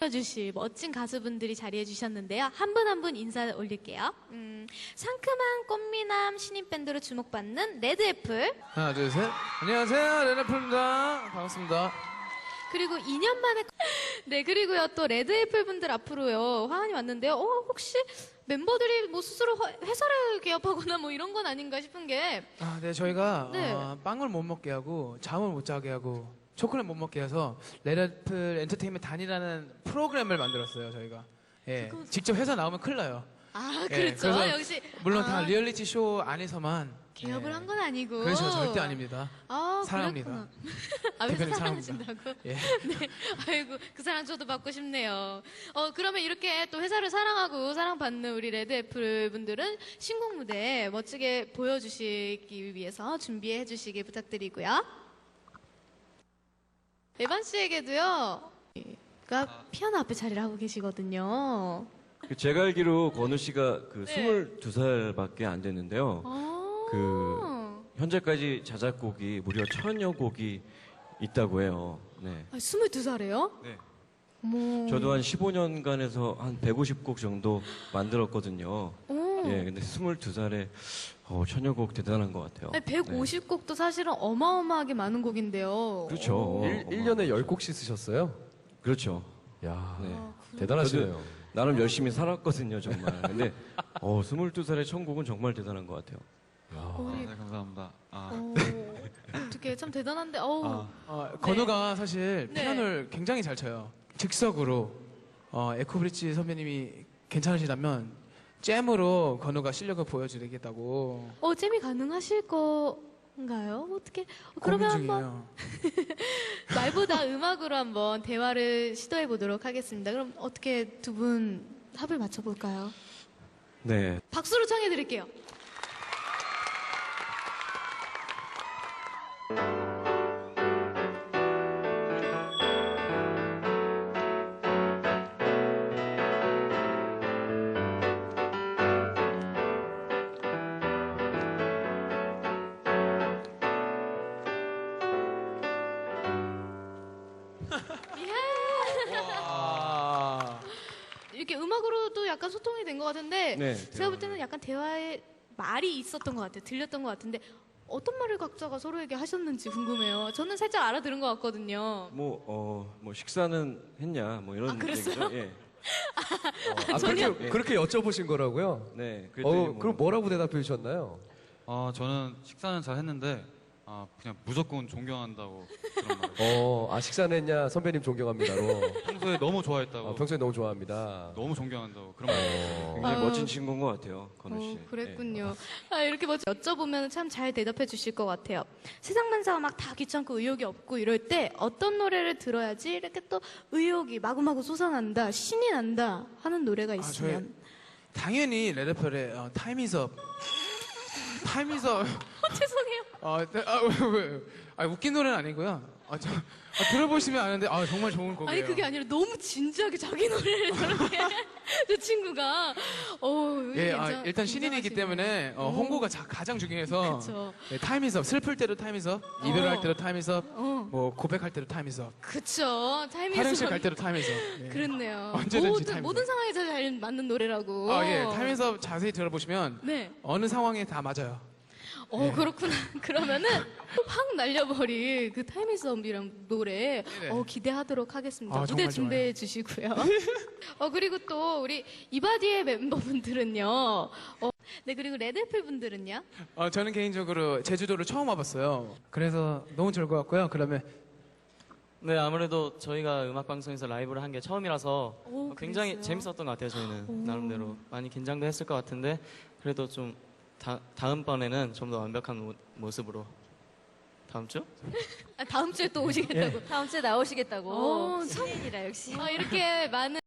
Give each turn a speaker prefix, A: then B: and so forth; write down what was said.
A: 주실 멋진 가수분들이 자리해 주셨는데요. 한 분 한 분 인사 올릴게요. 상큼한 꽃미남 신인 밴드로 주목받는 레드애플.
B: 하나, 둘, 셋. 안녕하세요. 레나풀입니다. 반갑습니다.
A: 그리고 2년 만에 네, 그리고요 또 레드애플 분들 앞으로요 화환이 왔는데요. 혹시 멤버들이 뭐 스스로 회사를 개업하거나 뭐 이런 건 아닌가 싶은 게.
B: 네, 저희가
A: 네.
B: 빵을 못 먹게 하고 잠을 못 자게 하고 초콜릿 못 먹게 해서 레나풀 엔터테인먼트 단이라는 프로그램을 만들었어요. 저희가. 예, 직접 회사 나오면 큰일 나요.
A: 아,
B: 예,
A: 그렇죠.
B: 그래서
A: 역시
B: 물론 다 리얼리티 쇼 안에서만
A: 개업을
B: 예.
A: 한 건 아니고.
B: 그렇죠, 절대 아닙니다.
A: 아,
B: 사랑합니다.
A: 그렇구나. 아, 왜
B: 대표님
A: 사랑하신다고?
B: 예.
A: 네. 아이고, 그 사랑 저도 받고 싶네요. 그러면 이렇게 또 회사를 사랑하고 사랑받는 우리 레드애플 분들은 신곡 무대 멋지게 보여주시기 위해서 준비해 주시길 부탁드리고요. 에반 씨에게도요, 피아노 앞에 자리를 하고 계시거든요.
C: 제가 알기로 건우 씨가 그
A: 네.
C: 22살밖에 안 됐는데요. 현재까지 자작곡이 무려 1000여 곡이 있다고 해요. 네.
A: 22살이에요?
C: 네.
A: 어머.
C: 저도 한 15년간에서 한 150곡 정도 만들었거든요.
A: 오.
C: 예, 근데 22살에 1000여 곡 대단한 것 같아요.
A: 아니, 150곡도 사실은 어마어마하게 많은 곡인데요.
C: 그렇죠.
D: 1년에 10곡씩 쓰셨어요?
C: 그렇죠.
D: 야
C: 네.
D: 대단하시네요.
C: 나름 열심히 살았거든요, 정말. 근데 22살에 1000곡은 정말 대단한 것 같아요.
A: 우리
E: 네, 감사합니다.
A: 어떻게 참 대단한데.
B: 건우가 사실
A: 네.
B: 피아노를 굉장히 잘 쳐요. 즉석으로 에코브릿지 선배님이 괜찮으시다면 잼으로 건우가 실력을 보여주겠다고
A: 잼이 가능하실 건가요? 어떻게?
B: 고민
A: 그러면 한번
B: 중이에요.
A: 말보다 음악으로 한번 대화를 시도해 보도록 하겠습니다. 그럼 어떻게 두 분 합을 맞춰 볼까요?
C: 네.
A: 박수로 청해 드릴게요. 이렇게 음악으로도 약간 소통이 된 것 같은데
C: 네.
A: 제가 볼 때는 약간 대화에 말이 있었던 것 같아요. 들렸던 것 같은데 어떤 말을 각자가 서로에게 하셨는지 궁금해요. 저는 살짝 알아들은 것 같거든요.
C: 뭐 식사는 했냐, 뭐 이런
A: 그랬어요?
C: 얘기죠. 예.
D: 그렇게 여쭤보신 거라고요?
C: 네. 그랬더니
D: 그럼 뭐라고 대답해 주셨나요?
E: 저는 식사는 잘 했는데 그냥 무조건 존경한다고 그런 말.
D: 식사는 했냐? 선배님 존경합니다로.
E: 평소에 너무 좋아했다고.
D: 평소에 너무 좋아합니다.
E: 너무 존경한다고 그런 말.
C: 굉장히
A: 아.
C: 멋진 친구인 것 같아요, 건우 씨.
A: 그랬군요. 이렇게 먼저 여쭤보면 참 잘 대답해 주실 것 같아요. 세상 만사가 막 다 귀찮고 의욕이 없고 이럴 때 어떤 노래를 들어야지 이렇게 또 의욕이 마구마구 솟아난다, 신이 난다 하는 노래가 있으면.
B: 당연히 레드펠의 타임이즈업. 타임이즈업.
A: 죄송해요.
B: 왜? 웃긴 노래는 아니고요. 들어보시면 아는데 정말 좋은 곡이에요.
A: 아니 그게 아니라 너무 진지하게 자기 노래를 저렇게 저 친구가
B: 예, 일단 신인이기 때문에 홍보가 가장 중요해서
A: 그쵸.
B: 예, 타임이즈업. 슬플 때도 타임이즈업, 이별할 때도 타임이즈업, 뭐 고백할 때도 타임이즈업,
A: 그쵸. 타이밍이
B: 화장실 갈 때도 타임이즈업. 예.
A: 그렇네요.
B: 언제든지 타임이즈업.
A: 모든 상황에 잘 맞는 노래라고.
B: 예, 타임이즈업 자세히 들어보시면
A: 네.
B: 어느 상황에 다 맞아요.
A: 그렇구나. 그러면은 확 날려버릴 그 타이밍썸이랑 노래
B: 네네.
A: 기대하도록 하겠습니다. 무대
B: 정말
A: 준비해 주시고요. 그리고 또 우리 이바디의 멤버분들은요. 네, 그리고 레드애플 분들은요.
B: 저는 개인적으로 제주도를 처음 와봤어요. 그래서 너무 좋을 것 같고요. 그러면
F: 네, 아무래도 저희가 음악방송에서 라이브를 한 게 처음이라서 굉장히
A: 그랬어요?
F: 재밌었던 것 같아요, 저희는. 나름대로. 많이 긴장도 했을 것 같은데, 그래도 좀, 다음번에는 좀 더 완벽한 모습으로. 다음 주?
A: 다음 주에 또 오시겠다고.
G: 다음 주에 나오시겠다고.
A: 참
G: 신인이라 역시.
A: 이렇게 많은